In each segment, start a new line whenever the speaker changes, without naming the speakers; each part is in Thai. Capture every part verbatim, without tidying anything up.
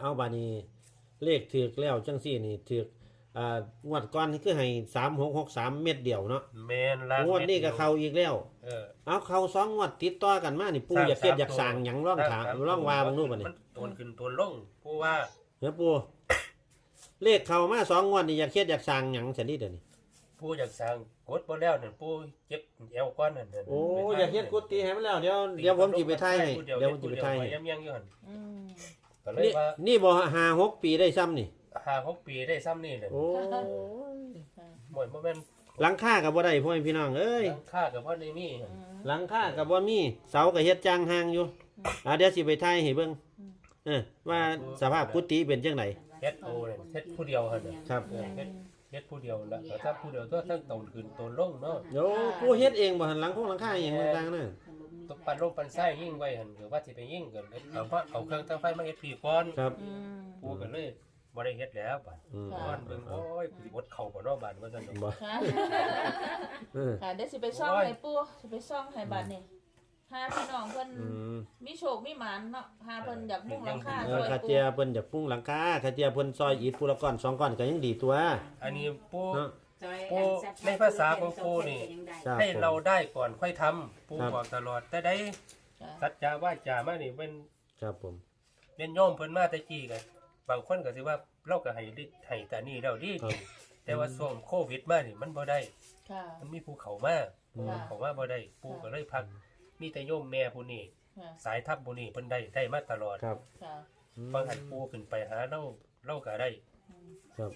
เอาบานี้เลขถือแล้วจังซี่นี่ถืออ่างวดก่อนนี่คือให้สามหกหกสามเม็ดเดียวเนาะ
แม่นล่ะ
งวดนี้ก็เข้าอีกแล้ว
เออ
เอาเข้าสองงวดติดต่อกันมานี่ปู่อยากเฮ็ดอยากสร้างหยังร้องถามร้องว่าเบิ่งดูบัดนี้
มันโตนขึ้นโตนลงผู้ว่า
เด้อปู่เลขเข้ามาสองงวดนี่อยากเฮ็ดอยากสร้างหยังซั่นนี่เด้อนี่
ผู้อยากสร้างกดบ่แล้วนั่นผู้เจ็บเอวก่อนนั่น
โอ้อยากเฮ็ดกุฏิให้มันแล้วเดี๋ยวเดี๋ยวผมสิไปถ่ายให้เดี๋ยวผมสิไปถ่ายให้
ยังยังอยู่หั่น
อืม
ก็เลยว่า
นี่บ่ห้า หกปีได้ซ้ำนี่
ห้า หกปีได้ซ้ำนี่แหละ
โอ้
หมดบ่แม่น
หลังคาก็บ่ได้พ่อพี่น้องเอ้ย
หลังคาก็บ่ได้มี
หลังคาก็บ่มีเสาก็เฮ็ดจางห่างอยู่อ่าเดี๋ยวสิไปถ่ายให้เบิ่งเออว่าสภาพกุฏิเป็นจังได๋
เฮ็ดโอ้เนี่ยเฮ็ดผู้เดียวหั่นน่ะ
ครับ
เฮ็ดเฮ็ดผู้เดียวล่ะแต่ถ้าผู้เดียวก็ทั้งโตนขึ้นโตนลงเนาะ
โอ้ผู้เฮ็ดเองบ่หั่นหลังคงหลังคาอีหยังต่างๆนั่น
ตกปันลงปันไส้ยิ่งไว้หั่นก็ว่าสิไปยิ่งกันเอาว่าเอาเครื่องตั้งไฟมาเฮ็ดพี่ก่อน
ครับ
ผู้ก็เลยบ่ได้เฮ็ดแล้วบัดก่อนเบิ่งโอ้ยสิอดเข้าบ่เนาะบัดว่าซั่น
บ่
ค่ะค่ะเดี๋ยวสิไปซ่องให้ปู่สิไปซ่องให้บัดนี่หาพี่น้องเพิ่นมีโชคมีหมานเนาะหาเพิ่นอยากมุ่งหลังคา
ซอยปู่เออคาเจียเพิ่นอยากมุ่งหลังคาคาเจียเพิ่นซอยอิฐผู้ละก้อนสองก้อนก็ยังดีตัว
อันนี้ปู่ปู่ในภาษาของปู่นี่ให้เราได้ก่อนค่อยทำปู่บอกตลอดแต่ได้สัจจาวาจามานี่เป็น
ครับผม
เรียนโยมเพิ่นมาแต่กี้ก็บางคนก็สิว่าเราก็ให้ให้แต่นี่แล้วดีแต่ว่าช่วงโควิดมานี่มันบ่ได้
ค่ะ
มันมีภูเขามาภูเขามาบ่ได้ปู่ก็เลยพักมีแต่โยมแม่ผู้นี้สายทัพผู้นี้เพิ่นได้ได้มาตลอด
ครับ
ค่ะ
บางหันปู่ขึ้นไปหาเราเราก็ได้
ครับ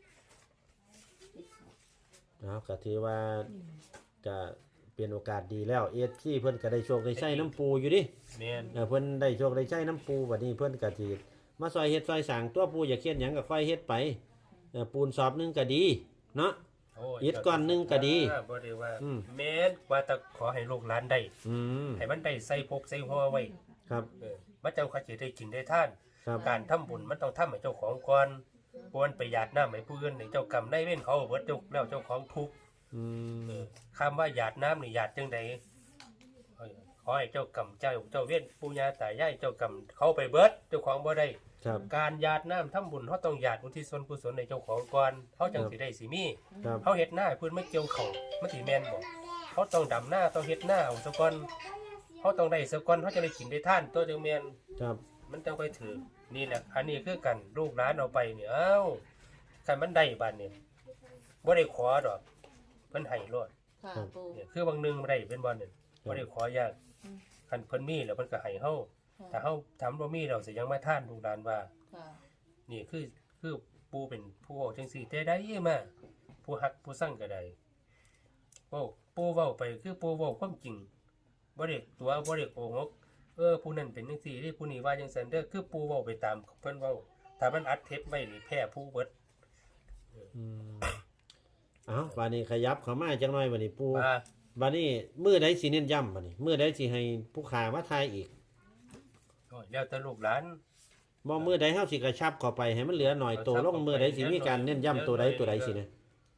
เอาก็ถือว่าจะเป็นโอกาสดีแล้วเอสซี่เพิ่นก็ได้โชคได้ใช้น้ำปูอยู่ดิ
แม่น
เออเพิ่นได้โชคได้ใช้น้ำปูบัดนี้เพิ่นก็สิมาซอยเฮ็ดซอยสร้างตัวปูอยากเฮ็ดหยังก็ค่อยเฮ็ดไปเออปูนสอบนึงก็ดีเนาะอิฐก้อนนึงก็ดี
บ่ได้ว่าแม่นว่าแต่ขอให้ลูกหลานได้
อืม
ให้มันได้ใส่พกใส่หัวไว้
ครับ
เออมันเจ้าเขาสิได้กินได้ทานการทำบุญมันต้องทำให้เจ้าของก่อนบ่มันไปหยาดน้ำให้ผู้อื่นให้เจ้ากรรมได้เว้นเขาเบิดเจ้าแล้วเจ้าของทุกข์
อืม
คำว่าหยาดน้ำนี่หยาดจังใดขอให้เจ้ากรรมเจ้าเจ้าเว้นปู่ย่าตายายเจ้ากรรมเขาไปเบิดเจ้าของบ่ได้การหยาดน้ำทำบุญเขาต้องหยาดอุทิศส่วนกุศลในเจ้าของก่อนเขาจังสิได้สิมีเขาเฮ็ดหน้าเพิ่นไม่เกี่ยวเขามันสิแม่นบ่เขาต้องดำหน้าต้องเฮ็ดหน้าเอาซะก่อนเขาต้องได้ซะก่อนเขาจะได้กินได้ทานตัวจังแม่น
ครับ
มันจังค่อยถือนี่แหละอันนี้คือกันลูกหลานเอาไปเนี่ยเอ้าคันมันได้บาดนี้บ่ได้ขอดอกเพิ่นให้รอด
ค่ะปู่
เนี่ยคือบางนึงบ่ได้เป็นบ่นึงบ่ได้ขอยากคันเพิ่นมีแล้วเพิ่นก็ให้เฮาถ้าเฮาทำบ่มีแล้วสิยังมาทานลูกหลานว่านี่คือคือปู่เป็นผู้เว้าจังซี่แต่ได้มาผู้ฮักผู้สั่งก็ได้เว้าปู่เว้าไปคือปู่เว้าความจริงบ่ได้ตัวบ่ได้โกหกเออผู้นั้นเป็นจังซี่เด้ผู้นี้ว่าจังซั่นเด้อคือปู่เว้าไปตามเพิ่นเว้าถ้ามันอัดเทปไว้นี่แพ้ผู้เบิด
อืมเอ้าบัดนี้ขยับเข้ามาจักหน่อยบัดนี้ปู่บัดนี้มื้อใดสิเน้นย้ำบัดนี้มื้อใดสิให้ผู้ขามาทายอีก
ก็แล้วแต่ลูกหลาน
บ่มื้อใดเฮาสิกระชับเข้าไปให้มันเหลือหน่อยโตลงมื้อใดสิมีการเน้นย้ำตัวใดตัวใดสินะ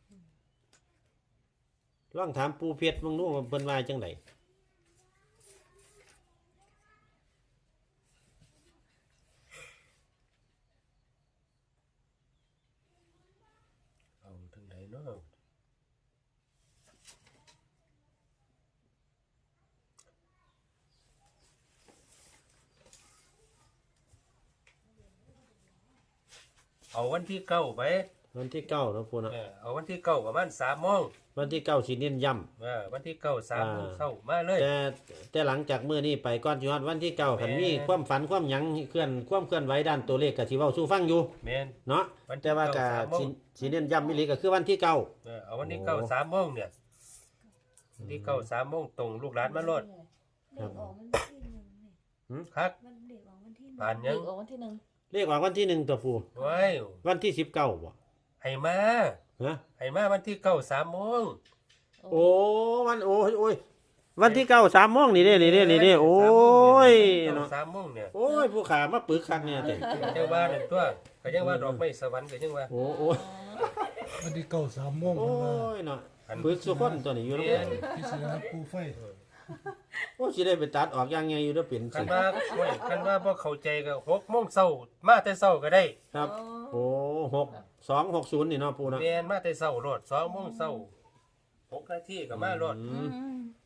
ลองถามปู่เพชรเบิ่งดูว่าเพิ่นว่าจังได๋
เอาถึงไหนเนาะเอาวันที่เก้าไป
วันที่เก้าเนาะปู่เนาะ
เออเอาวันที่เก้าประมาณ สามโมง
วันที่เก้าสิเน้นย้ำ
เออวันที่เก้า สามโมงเช้ามาเลย
แต่แต่หลังจากมื้อนี้ไปก่อนสิฮอดวันที่เก้าคันมีความฝันความหยังเคลื่อนความเคลื่อนไหวด้านตัวเลขก็สิเว้าสู่ฟังอยู่
แม่น
เนาะแต่ว่าก็สิสิเน้นย้ำอีหลีก็คือวันที่เก้า
เออเอาวันที่เก้า สามโมงเนี่ยวันที่เก้า สามโมงตรงลูกหลานมาโลด
ครับ
หือครับผ่านยัง
ออกวันที่หนึ่ง
เลขออกวันที่หนึ่งตัวปู่
โอ้ย
วันที่สิบเก้าบ่
ให้มา
ฮะ
ให้มาวันที่เก้า สามโมง
โอ้วันโอ้ยโอ้ยวันที่เก้า สามโมงนี่เด้นี่เด้นี่เด้โอ้ย
เนาะสามโมงเนี่ย
โอ้ยผู้ขามาปึกคักเนี่ยเด้
จังว่านั่นตัวก็ยังว่าดอกไม้สวรรค์ก็ยังว่า
โอ้โอ้
วันที่เก้า สามโมง
โอ้ยเนาะปึกสุคนตัวนี้อยู่นำ
พิศนาปูไฟ
โอ้สิได้ไปตัดออกอย่างไงอยู่เด้อเป็น
คั
สิ
นว่าโอ้ยคันว่าบ่เข้าใจก็หกโมงเช้ามาแต่เช้าก็ได้
ครับโอ้หกสองหกศูนย์นี่เนาะปูเนาะ
แม่นมาแต่เช้าโลดสองโมงเช้าหกนาทีก็มาโลด
อืม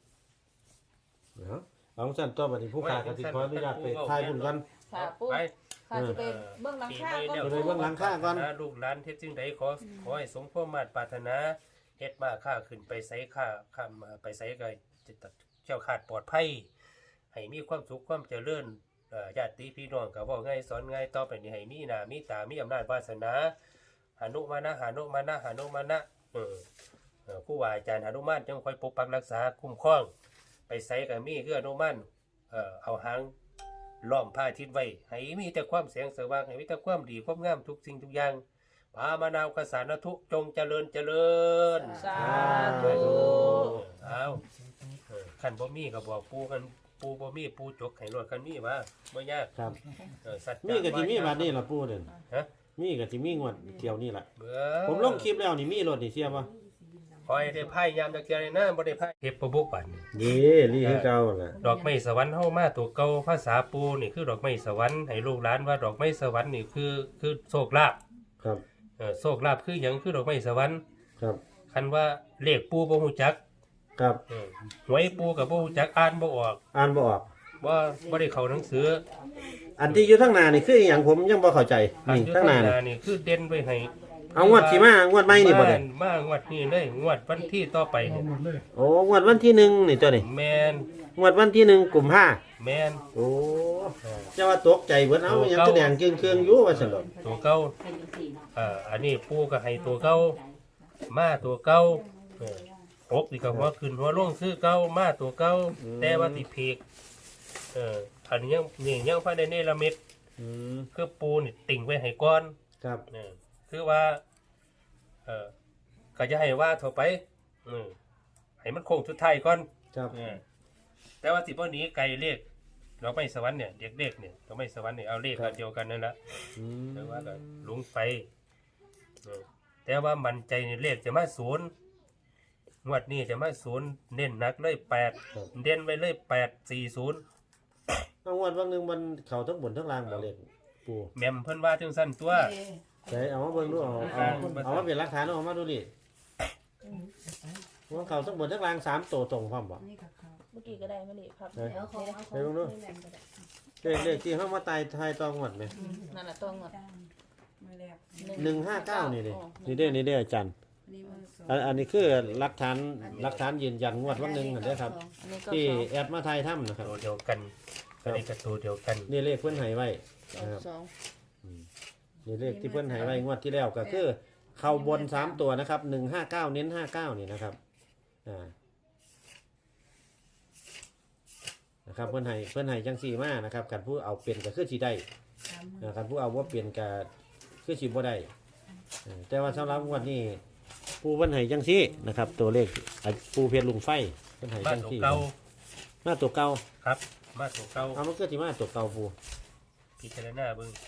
เอาเอาสั่นตัวบัดนี้ผู้ค้าก็สิขออนุญาตไปถ่ายบุญกัน
ค่ะปู
ไป
ค่ะจะไปเบื้องหลัง
ปี
ข้า
ใหม่
ก็
แล้ว
ไปเบิ่งหลังคาก่อน
ลูกหลานเฮ็ดจึงใดขอขอให้สมความมาตรปรารถนาเฮ็ดมาค้าขึ้นไปไสค้าข้ามมาไปไสก็จะเจ้าขาดปลอดภัยให้มีความสุขความเจริญเอ่อญาติพี่น้องก็เว้าง่ายสอนง่ายต่อไปนี้ให้มีหน้ามีตามีอำนาจวาสนาหานุมานะหานุมานะหานุมานะเออเอ่อครูบาอาจารย์หานุมานจังคอยปกปักรักษาคุ้มครอง ไปไสก็มีคืออนุมานเอ่อเอาหางล้อมผ้าทิศไว้ให้มีแต่ความแสงสว่างให้มีแต่ความดีความงามทุกสิ่งทุกอย่างปามานาวกสานทุจงเจริญเจริญ
สาธุ
เอาเออคันบ่มีก็บอกปูกันปูบ่มีปูจกให้รถคันมีว่าบ่ยาก
ครับ
เออสัจจะ
มีก็สิมีบัดนี้ล่ะปูเด้อ
ฮะ
มีก็สิมีงวดเที่ยวนี่ล่ะ
เบื่อ
ผมลงคลิปแล้วนี่มีรถนี่เสียบ่
คอยได้ไพ่ยามจักเทื่อเลยนะบ่ได้ไพ่เฮ็ดบ่บุกบัดนี้
ดีลีคือเก่าล่ะ
ดอกไม้สวรรค์เฮามาตัวเก่าภาษาปูนี่คือดอกไม้สวรรค์ให้ลูกหลานว่าดอกไม้สวรรค์นี่คือคือโชคลาภ
ครับ
เออโชคลาภคือหยังคือดอกไม้สวรรค์
ครับ
คันว่าเลขปูบ่ฮู้จัก
ครับ
เออหวยปูก็บ่ฮู้จักอ่านบ่ออก
อ่านบ่ออก
บ่บ่ได้เข้าหนังสือ
อันที่อยู่ทางหน้านี่คืออหยังผมยังบ่เข้าใจ
อัน
นี่
อยู่
ทางหน้า
ข้างห
นี่
น้านี่คือเด่นไว้ให้
เอางวดสิมางวดใหม่นี่บ่ได้
มามางวดนี้เลยงวดวันที่ต่อไป
เอา
นี่
หมดเลย
โอ้งวดวันที่หนึ่งนี่ตัวนี่
แม่น
งวดวันที่หนึ่งกุมภา
แม่น
โอ้จะว่าตกใจเบิดเอามันยังแสดงเครื่องๆอยู่ว่าซั่นดอก
ตัวเก่าเอ่ออันนี้ปูก็ให้ตัวเก่ามาตัวเก่าเออหกนี่ก็หัวขึ้นหัวลงคือเก่ามาตัวเก่าแต่ว่าสิพีกเอออันนี้ยังนี่ยังพระได้เนรมิต
อืม
คือปูนี่ติ่งไว้ให้ก่อน
ครับ
เออคือว่าเออก็จะให้ว่าเถอะไปเออให้มันคงสุดท้ายก่อน
ครับ
เออแต่ว่าสิบ่หนีไกลเลขเราไม่สวรรค์เนี่ยเด็กเลขเนี่ยเราไม่สวรรค์เนี่ยเอาเลขอันเดียวกันนั่นแหละ
อืม
แต่ว่าก็หลงไปเออแต่ว่ามันใจในเลขจะมาศูนย์งวดนี้จะมาศูนย์เน้นหนักเลยแปดเด่นไว้เลยแปดสี่ศูนย์
เอางวดวันหนึงมันเข้าทั้งบนทั้งล่างบ่เลขปู
แม่มเพิ่นว่าจังสั้นตัว
ใส่เอามาเบิ่งดูเอาเอาเอามาเป็นหลักฐานเอามาดูดิว่าเข้าทั้งบนทั้งล่างสามตัวตรงพร้อมบ่
เมื่อกี้ก็ได้ไม่เลยครับ
เฮ้ย
เดี๋ยวเขา
เดี๋ยวดูเลขเลขที่เฮามาตายทายตองวดไหม
นั่นน่ะต้องเงิน
หนึ่งห้าเก้านี่ดินี่เด้อนี่เด้ออาจารย์อันอันนี้คือหลักฐานหลักฐานยืนยันงวดวันหนึงนั่นเด้อครับ
อันนี้ก็
ที่
สอง
แอดมาทายถ้ำนะครับ
ตัวเดียวกันอันนี้ก็ตัวเดียวกัน
นี่เลขเพิ่นให้ไว้
สอง
นะครับ
สอง
นี่เลขที่เพิ่นให้ไว้งวดที่แล้วก็คือเข้าบนสามตัวนะครับหนึ่งห้าเก้าเน้นห้าเก้านี่นะครับอ่านะครับเพิ่นให้เพิ่นให้จังสี่มานะครับกันผู้เอาเปลี่ยนก็คือสิได้นะครับผู้เอาว่าเปลี่ยนก็คือสิบ่ได้เออแต่ว่าสำหรับงวดนี้ผู้เพิ่นให้จังซี่นะครับ ตัวเลขอ่ะปูเพชรลุงไฟเพิ่นให้
มา
จัง
ตัว
ซี่
เก่า
มาตัวเก่า
ครับ มาตัวเก่า
เอามันก็สิมาตัวเก่าปู
พิจารณาเบิ่ง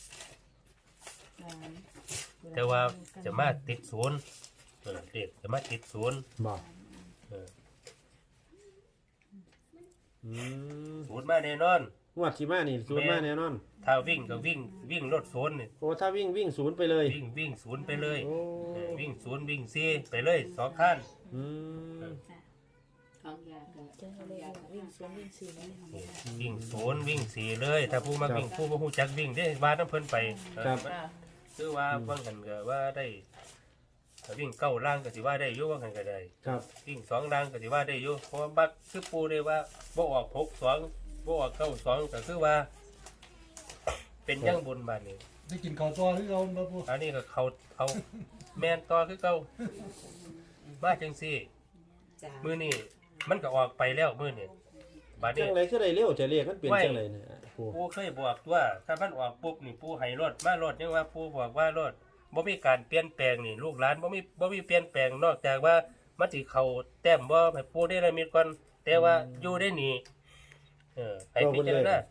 แต่ว่าจะมาติดศูนย์เออเด็กจะมาติดศูนย์
บอก
เออ
อืม
ศูนย์มาแน่นอน
งวดที่มานี่ศูนย์มาแน่นอน
ถ้าวิ่งก็วิ่งวิ่งรถศูนย์นี่
โอ้ถ้าวิ่งวิ่งศูนย์ไปเลย
วิ่งวิ่งศูนย์ไปเลย
โอ้
เออวิ่งศูนย์วิ่งซีไปเลยสองขั้น
อืม
จะให้เลขวิ่งสวนวิ่งสี่นะ
วิ่งศูนย์วิ่งสี่เลย ถ้าผู้มาวิ่งผู้บ่ฮู้จักวิ่งเด้ว่าน้ำเพิ่นไปเออ
ค่ะ
คือว่าบางหันก็ว่าได้ถ้าวิ่งเก้าล่างก็สิว่าได้อยู่บางหันก็ได้
ครับ
วิ่งสองล่างก็สิว่าได้อยู่เพราะว่าบักคือปูได้ว่าบ่ออกหกสองบ่ออกเก้าสองก็คือว่า เป็นยังบนบานนี้
ได้กินข้าวตัวที่เราบ่ปู
อันนี้ก็เขาเขาแม่นต่อคือเก่ามาจังซี่มื้อนี้มันก็ออกไปแล้วมื้อนี้บาด
จั
นี้
งไรคือได้เร็วจะเรียกมันเปลี่ยนจังไรเนี่ยปู
ปูเคยบอกว่าถ้ามันออกปุ๊บนี่ปูให้รถมารถยังว่าปูบอกว่ารถบ่มีการเปลี่ยนแปลงนี่ลูกหลานบ่มีบ่มีเปลี่ยนแปลงนอกจากว่ามันสิเข้าแต้มบ่ให้ปูได้ละมิดก่อนแต่ว่าอยู่ได้นี่เออให้พิจารณา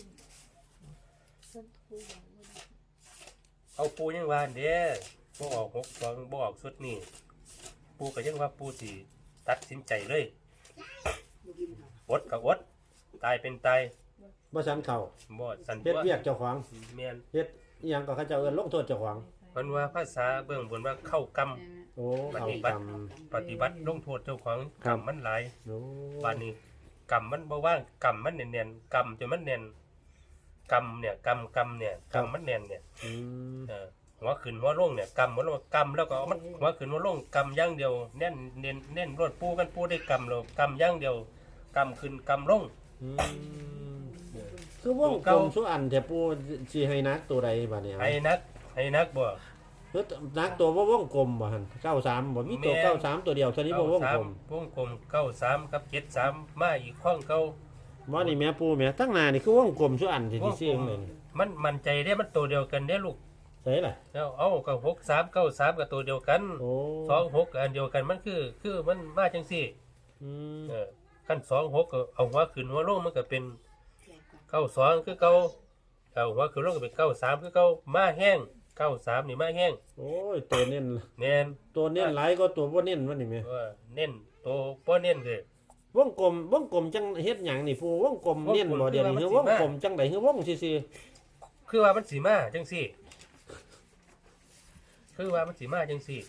เอาปูยังว่าเด้บ่ออกหกสองบ่ออกสุดนี่ปูก็ยังว่าปูสิตัดสินใจเลยอดก็อดตายเป็นตาย
บ่สันเข้า
บ่สัน
เฮ็ด
ตัว
เวียกเจ้าของ
แม่น
เฮ็ดอิหยังก็เขาเจ้าเอิ้นลงโทษเจ้าของ
มันว่าภาษาเบื้องบนว่าเข้ากรรม
โอ้
ป
เขา
ฏิบั
กร
ติ
รม
ปฏิบัติลงโทษเจ้าของ
ค
ก
รั
ร
บ
รมมันหลาย
โอ้
บานนี้กรรมมันบ่ว่างกรรมมันแน่นๆกรรมจนมันแน่นกรรมเนี่ยกรรมกรรมเนี่ยกรรมมันแน่นเนี่ย
อืม
เออหัวขึ้นหัวลงเนี่ยกรรมหัวลงกรรมแล้วก็เอามันหัวขึ้นหัวลงกรรมอย่างเดียวแน่นเน้นเน้นรวดปูกันปูได้กรรมแล้วกรรมอย่างเดียวกรรมขึ้นกรรมลง
อืมคือวงกลมสุอันแต่ปูสิให้นักตัวใดบัดนี้
ให้นักให้นักบ่
คือนักตัวบ่วงกลมบ่หั่นเก้าสามบ่มีตัว
แม่น
เก้าสามตัวเดียวเท่านี้บ่วงกลม
วงกลมเก้าสามกับเจ็ดสามมาอีกข้องเก้า
บ่นี่แม่ปูแม่ตั้งหน้านี่คือวงกลมสุอันที่สิซื้อเลยนี่
มันมันใจได้มันตัวเดียวกันได้ลูก
ใช่ล่ะ
แล้วเอากับหกสามเก้าสามกับตัวเดียวกัน
โอ้
สองหกกับอันเดียวกันมันคือคือมันมาจังสี่
อืม
เออขั้นสองหกก็เอาหัวขึ้นหัวลงมันก็เป็นเก้าสองคือเก้าเอาหัวขึ้นลงก็เป็นเก้าสามคือเก้ามาแห้งเก้าสามนี่มาแห้ง
โอ้ยตัวเน้น
แน่น
ตัวเน้นหลายก็ตัวบ่เน้นว่านี่แม่
เออเน้นโตป้อเน้นคือ
วงกลมวงกลมจังเฮ็ดหยังนี่ปูวงกลม
วงกลม
เน้นบ่เดี๋ยวนี้
คื
คือ
อ
ว
ว่าง มันสิ
กลมจังไดคือวงซื่อ
คือว่ามันสีมาจังสี่ คือว่ามันสีมาจังสี่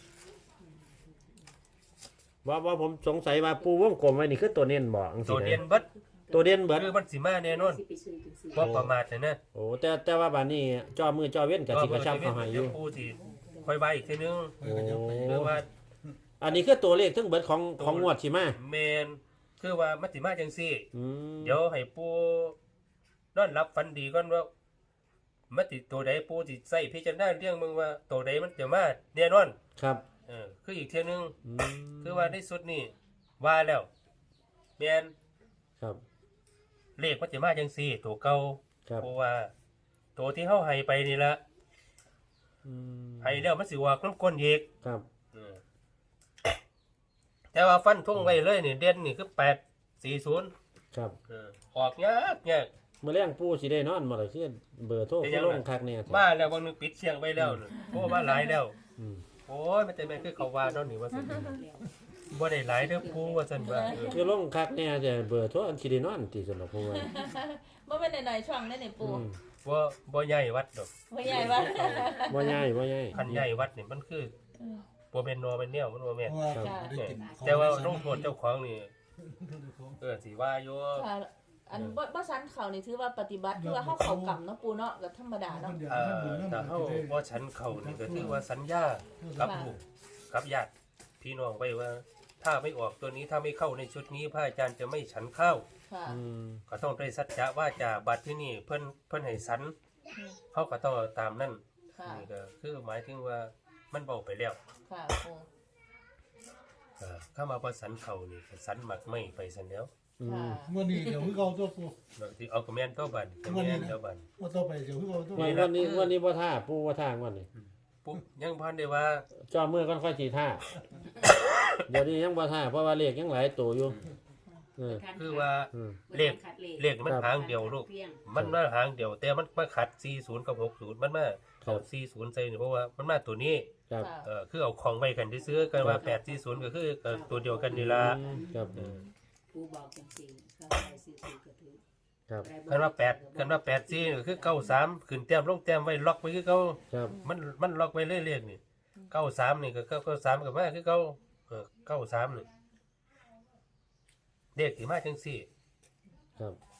ๆว่าว่าผมสงสัยว่าปูวงกลมไว้นี่คือตัวเน้นบ่จัง
ตั
ซี่
วเด่น
นะ
เบัด
ตัวเด่นเบิด
คือมันสีมาแน่นอนบ่ประมาทนะนะ
โอ้แต่แต่ว่าบัดนี้จอมือจอเว้นก็สิกระชับเข้าให้อ
เดี๋ย
ยู่
วผู้สิค่อยใบอีกทีนึง
โอ้
หรือว่า
อันนี้คือตัวเลขทั้งเบิดของของงวดสิมา
แมนคือว่ามันสิมาจังซี่
อืม
เดี๋ยวให้ปู่นอนรับฝันดีก่อนว่ามันติตัวใดปู่สิใส่พิจารณาเรื่องมึงว่าตัวใดมันจะมาแน่นอน
ครับ
เออคืออีกเทียนึง
อืม
คือว่าในสุดนี่ว่าแล้วแมน
ครับ
เลขมันจะมาจังซี่ ตัวเก่า
ครับ
เพราะว่า ตัวที่เฮาให้ไปนี่ละ
อืม
ให้แล้วมันสิว่าน้ำก้นอีก
ครับ
เออแต่ว่าฟันทุ่งไว้เลยนี่เด่นนี่คือแปดสี่ศูนย์
ครับ
เออออกยากยาก
เมื่อแรงปูสิได้นอนบ่ล่ะคือเบอร์โทร
เป็น
คื
ยั
อง ล
ไง
งคักเนี่ย
มาแล้วบางนึงปิดเสียงไปแล้วน่ะโอ้มาหลายแล้ว
อืม
โอ้ยมันจะแม่นคือเขาว่าเนาะนี่ว่าซั่นบ่ได้หลายเด้อปูว่าซั่นว่าเออ
คือลงคักเนี่ยแต่เบอร์โทรอันสิได้นอนติสำหรับผมว่า
บ่แม่นหน่อยๆช่องได้นี่ปู
อืม
บ่บ่ใหญ่วัดดอก
บ่ใหญ่ว่า
บ่ใหญ่บ่ใหญ่
คันใหญ่วัดนี่มันคือบ่แม่นนอเป็นแนวมันบ่แม่น
เพราะว่าได้กินของ
แต่ว่าลงโทษเจ้าของนี่เออสิว่าอยู่
ค่ะอันบ่บ่สันเขานี่ถือว่าปฏิบัติคือว่าเฮาเข้ากรรมเนาะปูเนาะก็ธรรมดาเนาะ
เอ่อถ้าเฮาบ่ฉันเข้านี่ก็ถือว่าสัญญากับลูกกับญาติพี่น้องไว้ว่า ถ้าไม่ออกตัวนี้ถ้าไม่เข้าในชุดนี้พระอาจารย์จะไม่ฉันข้าว
ค่ะ
อืม
ก็ต้องได้สัจจะว่าจะบัตรที่นี่เพิ่นเพิ่นให้สันเขาก็ต้องเอาตามนั่น
ค่ะ
นี่ก็คือหมายถึงว่ามันเบาไปแล้ว
ค่ะปู
เออถ้ามาประสันเขานี่ก็สันหมักไม่ไปสันแล้ว
อื
ค่ะ
ม
เมื่อนี้เดี๋ยวคือเขาตัวปู
บางทีเอากระแมนตัวบันกระแมนตัวบัน
ว่าต่อไปเดี๋ยวคือเขาตัว
วันวันนี้วันนี้บ่ท่าปูบ่ท่างวันนี้
ปุ๊บยังพันได้ว่า
จอมือก่อนค่อยสิท่า เดี๋ยวนี้ยังบ่ท่าเพราะว่าเลขยังหลายตัวอยู่เออ
คือว่า
อืม
เลขเลขมันหางเดียวลูกมันมาหางเดียว แต่มันมาขัดสี่สิบกับหกสิบมันมาเอาสี่สิบใส่นี่เพราะว่ามันมาตัวนี้
ครับ
ค่ะ
เออคือเอาของไว้กันที่ซื้อกันว่าแปดสี่ศูนย์ก็คือเอ่อตัวเดียวกันนี่ละ
อืมครับ
เออ
ผู้บอกจังซี่เขาใส่ซื้อๆก็ถือ
ครับ
คันว่าแปดคันว่าแปดสี่ก็คือเก้าสามขึ้นแต้มลงแต้มไว้ล็อกไว้คือเก้า
ครับ
มันมันล็อกไว้เรื่อยๆนี่เก้าสามนี่ก็เก้าเก้าสามกับมาคือเก้าเออเก้าสามนี่เด็กที่มาจังสี่
ครับ